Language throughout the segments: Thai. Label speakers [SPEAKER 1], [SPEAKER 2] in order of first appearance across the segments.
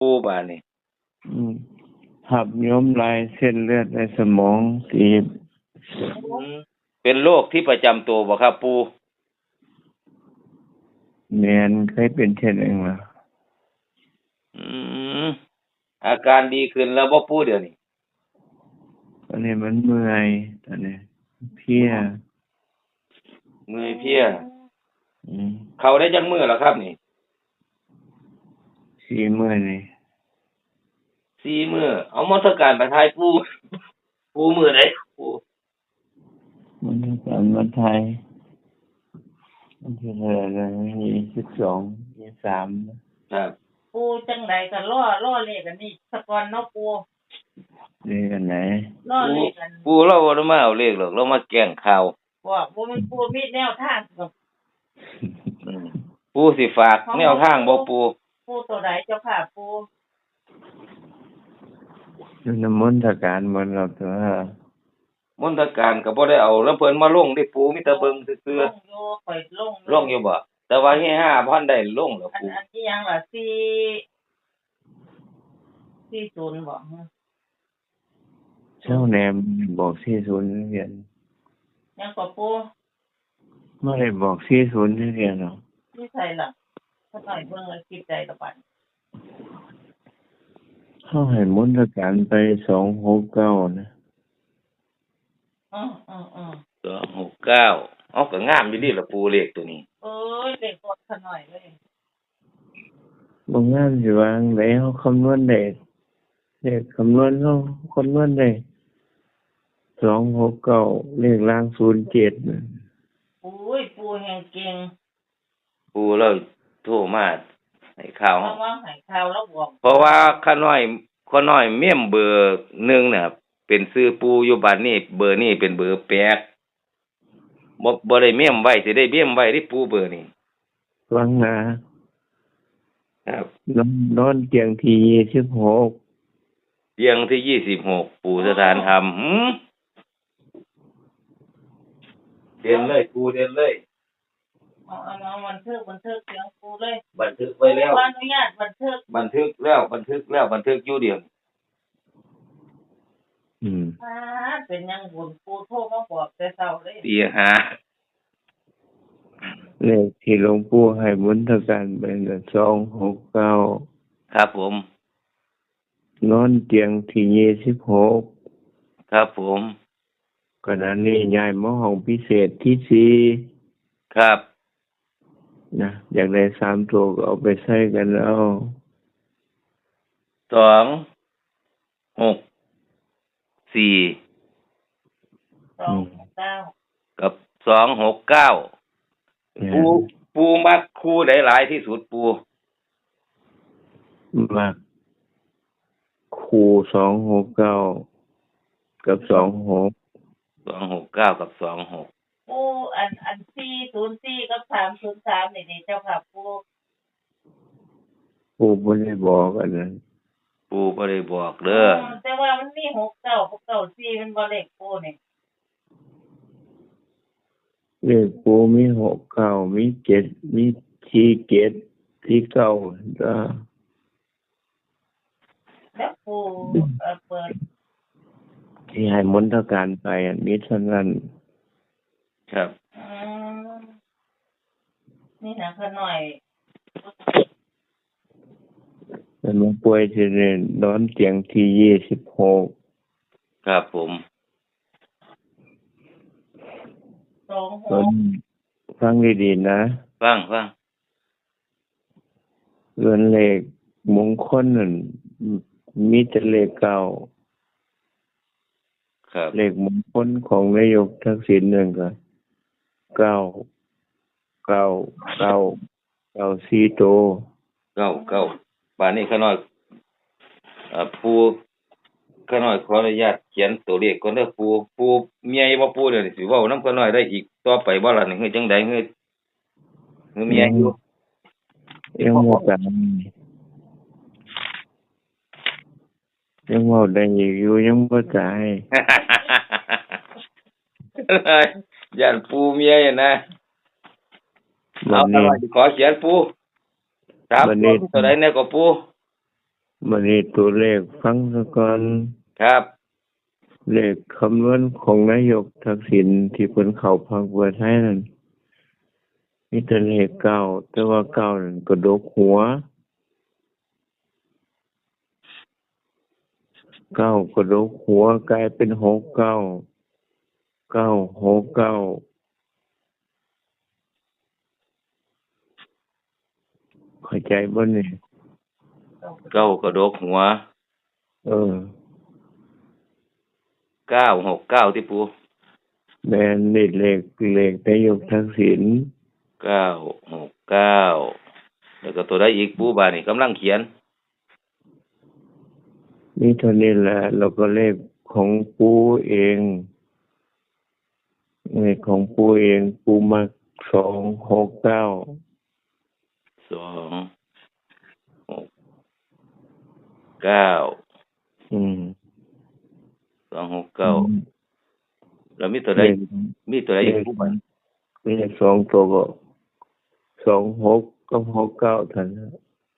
[SPEAKER 1] ปูบาดนี่
[SPEAKER 2] อืมหับย้มลายเส้นเลือดในสมองตีบ
[SPEAKER 1] เป็นโรคที่ประจำตัวบ่ครับปู
[SPEAKER 2] แม่นเคยเป็นเช่นเองล่ะ
[SPEAKER 1] อืมอาการดีขึ้นแล้วบ่ปูเดี๋ยวนี้
[SPEAKER 2] ตอนนี้มันเมื่อยตอนนี้เพลีย
[SPEAKER 1] เมื่อยเพลีย
[SPEAKER 2] อืม
[SPEAKER 1] เข้าได้จักมื้อแล้วครับนี่
[SPEAKER 2] 4 มื้อนี่
[SPEAKER 1] 4มื้อเอามนต์การไปทายปูปูมื้อใดปู
[SPEAKER 2] มันจะการมาไทยมันที่เท่าไหร่นะ22 23
[SPEAKER 1] ครับ
[SPEAKER 3] ปูจังใดก็ล่อเลขอันนี้สะก่อนเนาะปู
[SPEAKER 2] นี่กันไหน
[SPEAKER 3] ล่อเลขกัน
[SPEAKER 1] ปูเราบ่ได้มาเอาเลขหรอกเรามาแกล้งข่าว
[SPEAKER 3] ว่าบ่มันปูมีแนวทางกับ
[SPEAKER 1] ปูสิฝากแนวทางบ่ปู
[SPEAKER 3] ปูตัวใดเจ้าค่ะปู
[SPEAKER 2] อยู่น้ำมนต์การมันเราตัว
[SPEAKER 1] มนตการก็บ่ได้เอาแล้วเพิ่นมาลงได้ปูมีแต่เบิ่งซื่อ
[SPEAKER 3] ลงอยู่ข่อย
[SPEAKER 1] ๆลงอยู่บ่แต่ว่าเฮฮาบ่ทันได้ลงดอกปู
[SPEAKER 3] อันที่ยังล่ะ40บ่
[SPEAKER 2] เจ้าแนมบอก40เรียน
[SPEAKER 3] ยังก็ปู
[SPEAKER 2] ไม่ได้บอก40เรียนหรอก
[SPEAKER 3] ที่ใส่ล่ะถ้าหน่อยเบิ่งแล้วคิดใจละบัด
[SPEAKER 2] เขาให้มนต์การไป269นะ
[SPEAKER 1] 269เอาก็งามอยู่ดีล่ะปูเลขตัวนี้
[SPEAKER 3] เอ้ยเลขกดซะหน่อยเลย
[SPEAKER 2] บ่งามสิว่าจั่งใดเฮาคำนวณได้เลขคำนวณเฮาคำนวณได้269เลขล่าง07น่ะ
[SPEAKER 3] โอ้ยปูแห่งเก่ง
[SPEAKER 1] ปูเราโทรมาให้ข่าว
[SPEAKER 3] ว่าให้ข่าวแล้วบอก
[SPEAKER 1] เพราะว่าข้าน้อยเมมเบอร์1น่ะเป็นชื่อปูอยู่บัดนี้เบอร์นี้เป็นเบอร์แปลกบ่ได้เมมไว้สิได้เมมไว้ที่ปูเบอร์นี้
[SPEAKER 2] ฟังนะครับนอนเตียงที่26
[SPEAKER 1] เตียงที่26ปูสถานธรรมเดินเลยปูเดินเลย
[SPEAKER 3] เอาบันทึกเสียงปูเลย
[SPEAKER 1] บันทึกไว้แล้ว
[SPEAKER 3] อนุญาตบันทึก
[SPEAKER 1] อยู่เดียว
[SPEAKER 3] เป็นยังบุญปูโทรมาบอกแต่เช้าเลย
[SPEAKER 1] ตีหา
[SPEAKER 2] เลขที่หลวงปู่ให้มนต์การเป็น269
[SPEAKER 1] ครับผม
[SPEAKER 2] นอนเตียงที่26
[SPEAKER 1] ครับผม
[SPEAKER 2] ขณะนี้ย้ายมาห้องพิเศษที่4
[SPEAKER 1] ครับ
[SPEAKER 2] นะอยากได้3ตัวก็เอาไปใช้กันเอา
[SPEAKER 1] 264 กับ269ปูมักคู่ใดหลายที่สุดปู
[SPEAKER 2] มักคู่269กับ26
[SPEAKER 1] 269กับ26
[SPEAKER 3] ปูอัน404กับ303นี่เจ้าค่ะ
[SPEAKER 2] ปูบ่ได้บอกอันนั้น
[SPEAKER 1] ปูบ่ได้บอกเด้อ
[SPEAKER 3] แต่ว่ามันมี69 94มันบ่เลขปูนี่
[SPEAKER 2] เลขปูมี69มี7มี47 49จ้า
[SPEAKER 3] แล้วปูเปิด
[SPEAKER 2] ที่ให้มนต์การไปมีเท่านั้น
[SPEAKER 1] ครับ
[SPEAKER 3] นี่นะขน่อย
[SPEAKER 2] มันมาป่วยที่นอนเตียงที่26
[SPEAKER 1] ครับผม
[SPEAKER 2] ฟังดีๆนะ
[SPEAKER 1] ฟัง
[SPEAKER 2] เรือนเลขมงคลนั่นมีแต่เลขเก่า
[SPEAKER 1] ครับ
[SPEAKER 2] เลขมงคลของนายกทักษิณนั่นก็4โต
[SPEAKER 1] ป่านนี้ข้าน้อยปูข้าน้อยขออนุญาตเขียนตัวเลขก่อนเด้อปูเมียบ่ปูเดี๋ยวสิเว้านำข้าน้อยได้อีกต่อไปบ่ล่ะนี่คือจังได๋คือเมียอยู่
[SPEAKER 2] ยังบ่ตายยังเว้าได้อยู่ยังบ่ตาย
[SPEAKER 1] ย่านปูเมียนะเอาขอเขียนปูครับตัวใดแน่ก็ปู
[SPEAKER 2] มันนี่ตัวเลขฟังซะก่อน
[SPEAKER 1] ครับ
[SPEAKER 2] เลขคำนวณของนายกทักษิณที่เพิ่นเข้าพรรคเพื่อไทยนั่นมีแต่เลขเก้าแต่ว่าเก้านั่นกระดกหัวเก้ากระดกหัวกลายเป็นหกเก้าเก้าหกเก้าเข้าใจบ่นี่
[SPEAKER 1] เก้ากระดกหัว
[SPEAKER 2] เออ
[SPEAKER 1] 969ที่ปู
[SPEAKER 2] แม่นนี่เลขนายกทักษิณ
[SPEAKER 1] 969แล้วก็ตัวใดอีกปูบาดนี้กำลังเขียน
[SPEAKER 2] มีเท่านี้แหละแล้วก็เลขของปู่เองเลขของปู่เองปู่มัก269
[SPEAKER 1] 269
[SPEAKER 2] อืม
[SPEAKER 1] 269แล้วมีตัวใดอีกปูบาด
[SPEAKER 2] เลข2ตัวก็26กับ69เท่านั้น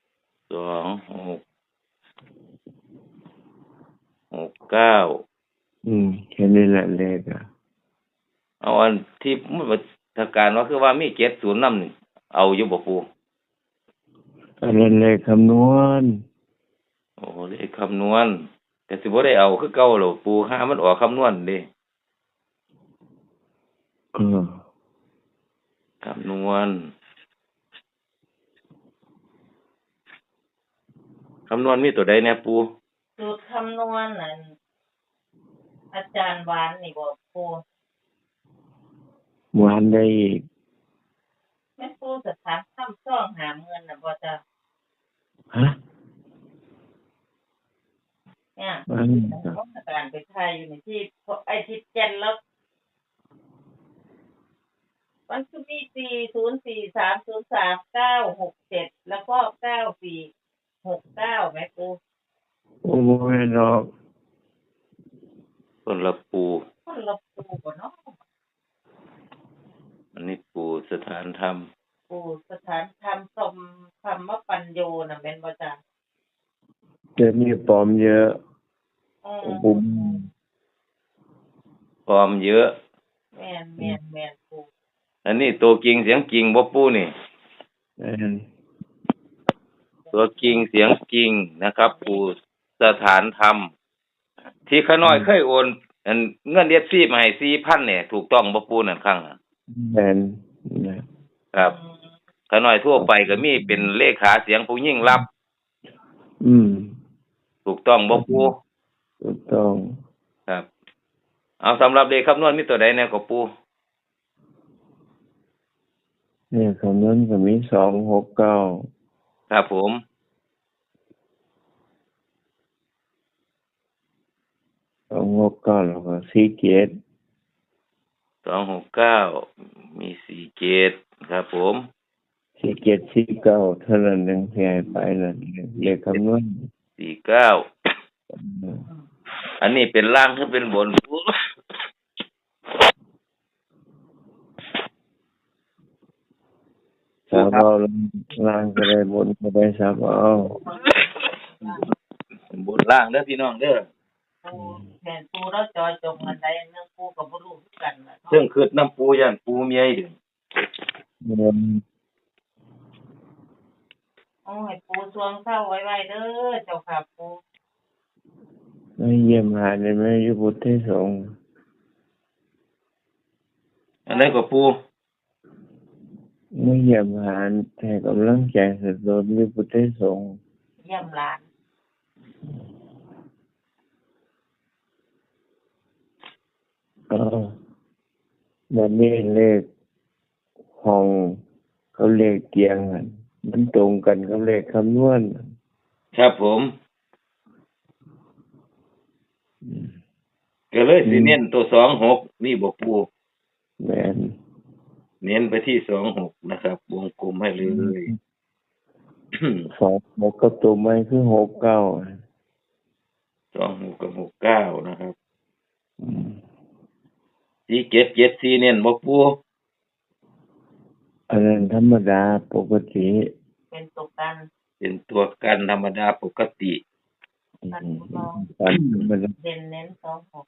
[SPEAKER 1] 2669
[SPEAKER 2] แค่นี้แหละเลขอ่ะ
[SPEAKER 1] เอาอันที่มันทางการว่าคือว่ามี70นำนี่เอาอยู่บ่ปู
[SPEAKER 2] อันนั้นเลขคำนวณ
[SPEAKER 1] โอ้เลขคำนวณก็สิบ่ได้เอาคือเก่าหรอกปูหามันออกคำนวณเด้
[SPEAKER 2] เออ
[SPEAKER 1] คำนวณมีตัวใดแน่ปู
[SPEAKER 3] สูตรคำนวณนั่นอาจารย์หวานนี่บอกปู
[SPEAKER 2] หวานได้อีก
[SPEAKER 3] แม่ปูสถานทำซ่องหาเงินน่ะบ่จ้ะ
[SPEAKER 2] ฮะ
[SPEAKER 3] เนี่ย
[SPEAKER 2] อันนี้ก็
[SPEAKER 3] ราชการไปไทยอยู่ในที่ไอ้ที่เจ็ดแล้วมันคือมี404303967แล้วก็9469แม่ปู
[SPEAKER 2] โอ้บ่แม่นดอก
[SPEAKER 1] คนละปู
[SPEAKER 3] คนละปูบ่เนาะ
[SPEAKER 1] อันนี้ปูสถานธรรม
[SPEAKER 3] ปูสถานธรรมสมธรรมปัญโยน่ะแม่นบ่จ้ะ
[SPEAKER 2] จะมีปลอมเยอะ
[SPEAKER 3] อืม
[SPEAKER 2] บุ้ม
[SPEAKER 1] พร้อมเยอะ
[SPEAKER 3] แม่นปู
[SPEAKER 1] อันนี้ตัวจริงเสียงจริงบ่ปูนี่
[SPEAKER 2] อัน
[SPEAKER 1] ตัวจริงเสียงจริงนะครับ ปูสถานธรรม ที่ขาน้อยเคยโอนอันเงิน FC มาให้ 4,000 เนี่ยถูกต้องบ่ปูนั่นครั้งน่ะ
[SPEAKER 2] แม่นนะครับ
[SPEAKER 1] ขาน้อยทั่วไปก็มีเป็นเลขาเสียงผู้หญิงรับ ถูกต้องบ่ปู
[SPEAKER 2] ถูกต้อง
[SPEAKER 1] ครับ เอาสำหรับเลขคำนวณมีตัวใดแน่ก็ปู
[SPEAKER 2] เนี่ยคำนั้นก็มี269
[SPEAKER 1] ครับผม
[SPEAKER 2] แล้วก็47
[SPEAKER 1] 269มี47ครับผม
[SPEAKER 2] 4749เท่านั้นเองที่ให้ไปนั่นเลขคำนวณ
[SPEAKER 1] 49อันนี้เป็นล่างหรือเป็นบนปู
[SPEAKER 2] สามเอาล่างก็ได้บนก็ได้สามเอา
[SPEAKER 1] บนล่างเด้อพี่น้องเด้อ
[SPEAKER 3] ปูแม่นปูแล้วจอยจงอันใดอันหนึงปูก็บ่รู้คือกันล่ะ
[SPEAKER 1] เรื่องคืดน้ำปูย่านปูเมียอีก
[SPEAKER 2] เงิน
[SPEAKER 3] โอ้ยปูสวงเข้าไว้เด้อเจ้าค่ะปู
[SPEAKER 2] ไม่เยี่ยมหาได้ไหมอยู่พุทธสงฆ์
[SPEAKER 1] อันนั้นก็ปู
[SPEAKER 2] ไม่เยี่ยมหาแต่กำลังใจสุดโดนอยู่พุทธสงฆ์
[SPEAKER 3] เยี่ยมหลาน
[SPEAKER 2] แบบนี้เลขห้องเขาเลขเตียงกันมันตรงกันกับเลขคำนวณ
[SPEAKER 1] ครับผมก็เลยสิเน้นตัว26นี่บ่ปู
[SPEAKER 2] แม่น
[SPEAKER 1] เน้นไปที่26นะครับวงกลมให้เลย
[SPEAKER 2] 26กับตัวใหม่คือ69
[SPEAKER 1] 26กับ69นะครับ4774เน้นบ่ปู
[SPEAKER 2] อันนั้นธรรมดาปกติ
[SPEAKER 3] เป็นตกกัน
[SPEAKER 1] เป็นตัวกันธรรมดาปกติ
[SPEAKER 3] กันลอง
[SPEAKER 2] ฝันมัน
[SPEAKER 3] เด่นเน้น26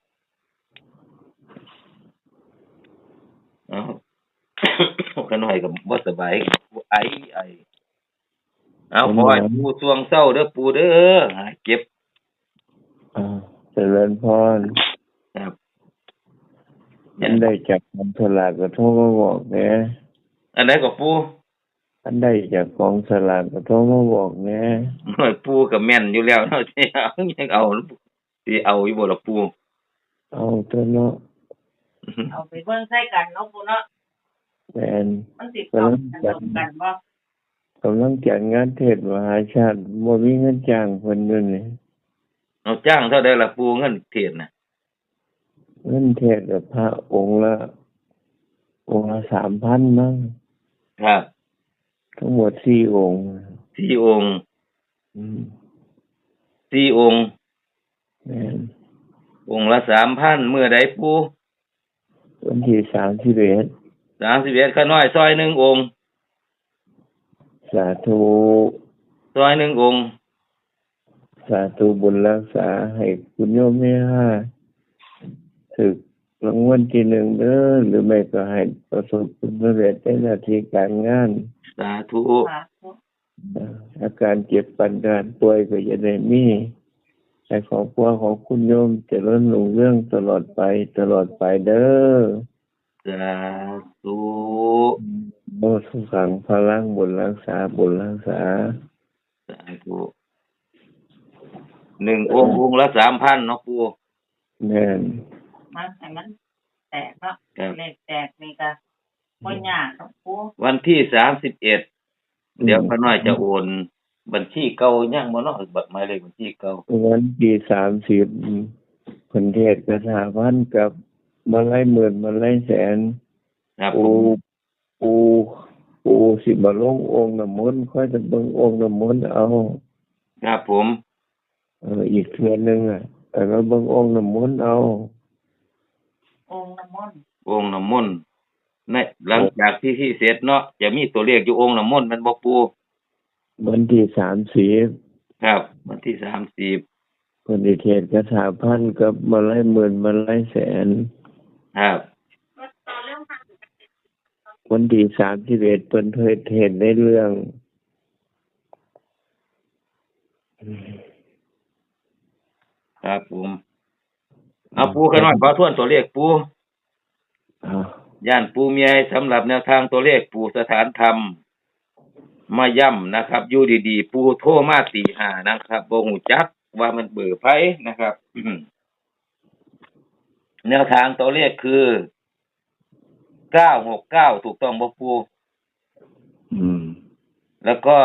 [SPEAKER 1] เอ้า ก็น้อยก็บ่สบายไอเอาขอให้ปูสวงเศร้าเด้อปูเด้อหาเก็บ
[SPEAKER 2] เจริญพร
[SPEAKER 1] ครับ
[SPEAKER 2] อันได้จากกองสลากก็โทรมาบอกแหน่
[SPEAKER 1] อันไหนก็ปู
[SPEAKER 2] อันได้จากกองสลากก็โทรมาบอกแหน่
[SPEAKER 1] น้อยปูก็แม่นอยู่แล้วเนาะ สิเอายังเอาสิเอาอยู่บ่ล่ะปู
[SPEAKER 2] เอาตัวเนาะ
[SPEAKER 3] เอาไปเบิ่งใส่กันเนาะปูเนาะ
[SPEAKER 2] แม่น
[SPEAKER 3] มันสิเข้ากันบ่
[SPEAKER 2] กำลังจัดงานเทศมหาชาติบ่มีเงินจ้างเพิ่นอยู่นี่
[SPEAKER 1] เอาจ้างเท่าใดล่ะปูเงินเทศน่ะ
[SPEAKER 2] เงินเทศกับพระองค์ละ 3,000 มั้ง
[SPEAKER 1] ครับ
[SPEAKER 2] ทั้งหมด4 องค์
[SPEAKER 1] 4 องค์
[SPEAKER 2] อืม
[SPEAKER 1] 4 องค์
[SPEAKER 2] แม่น
[SPEAKER 1] องค์ละ 3,000 มื้อใดปู
[SPEAKER 2] วันที่31
[SPEAKER 1] 31ข้าน้อยซอย1องค์
[SPEAKER 2] สาธุ
[SPEAKER 1] ซอย1องค์
[SPEAKER 2] สาธุบุญรักษาให้คุณโยมแม่ห้าถึกรางวัลที่ 1เด้อหรือไม่ก็ให้ประสบผลสำเร็จในหน้าที่การงาน
[SPEAKER 1] สาธุ
[SPEAKER 3] สาธุ
[SPEAKER 2] อาการเจ็บปันการป่วยก็จะได้มีให้ครอบครัวของคุณโยมเจริญรุ่งเรืองตลอดไปเด้อ
[SPEAKER 1] สาธุ
[SPEAKER 2] โอ้สุขังพลังบุญรักษา
[SPEAKER 1] สาธุ1องค์ละ 3,000 เนาะปู
[SPEAKER 2] แม่น
[SPEAKER 3] มันให้มันแตกเนาะ
[SPEAKER 1] ครับ
[SPEAKER 3] เลขแตกนี่ก็บ่ยากเนาะปู
[SPEAKER 1] วันที่31เดี๋ยวข้าน้อยจะโอนบัญชีเก่ายังบ่เนาะบัตรหมายเลขบัญชีเก่า
[SPEAKER 2] วันที่30เพิ่นเทศน์คาถาพันกับมาลัยหมื่นมาลัยแสน
[SPEAKER 1] ครับผ
[SPEAKER 2] ปู
[SPEAKER 1] ม
[SPEAKER 2] ปูสิมาลงองค์น้ำมนต์ค่อยจะเบิ่งองค์น้ำมนต์เอา
[SPEAKER 1] ครับผม
[SPEAKER 2] อีกเทื่อนึงแล้วเบิ่งองค์น้ำมนต์เอา
[SPEAKER 3] องค์น้ำมนต์
[SPEAKER 1] องค์น้ำมนต์ในหลังจากที่เสร็จเนาะจะมีตัวเลขอยู่องค์น้ำมนต์มันบ่ปู
[SPEAKER 2] วันที่30
[SPEAKER 1] ครับ วันที่30
[SPEAKER 2] เพิ่นได้เทศน์คาถาพันกับมาลัยหมื่นมาลัยแสน
[SPEAKER 1] ครับ
[SPEAKER 2] วันที่31เพิ่นเทศน์ในเรื่อง
[SPEAKER 1] ครับผมเอาปูข้าน้อยขอทวนตัวเลขปู
[SPEAKER 2] อ่า
[SPEAKER 1] ย่านปูมีให้สำหรับแนวทางตัวเลขปูสถานธรรมมาย่ำนะครับอยู่ดีๆปูโทรมาตี5นะครับบ่ฮู้จักว่ามันเบอร์ไผนะครับ แนวทางตัวเลขคือ969ถูกต้องบ่ปู
[SPEAKER 2] อืม
[SPEAKER 1] แล้วก็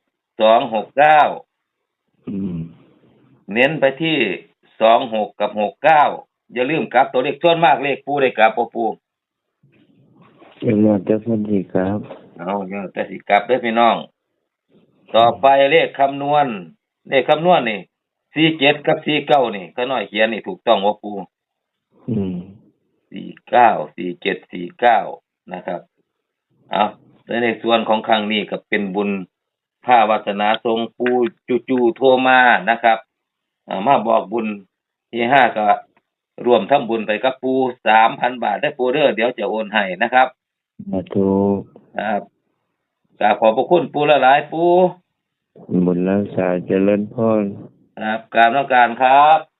[SPEAKER 1] 269
[SPEAKER 2] อืม
[SPEAKER 1] เน้นไปที่26กับ69อย่าลืมกลับตัวเลขส่วนมากเลขปูได้กลับบ่ปู
[SPEAKER 2] ยังว่าจะเพิ่นสิครับ
[SPEAKER 1] เอาเดี๋ยวแต่สิกลับเด้อพี่น้อง ต่อไปเลขคำนวณนี่47กับ49นี่ก็น้อยเขียนนี่ถูกต้องบ่ปู
[SPEAKER 2] อืม
[SPEAKER 1] 49 47 49นะครับเอาในส่วนของครั้งนี้ก็เป็นบุญพาวาสนาทรงปูจู่ๆโทรมานะครับมาบอกบุญที่5ก็รวมทำบุญไปกับปู 3,000 บาทได้อปูเด้อเดี๋ยวจะโอนให้นะครับ
[SPEAKER 2] สาธุ
[SPEAKER 1] ครับกราบขอบพระคุณปูหลายๆปู
[SPEAKER 2] บุญรักษาเจริญพร
[SPEAKER 1] ครับกราบนมักการครับ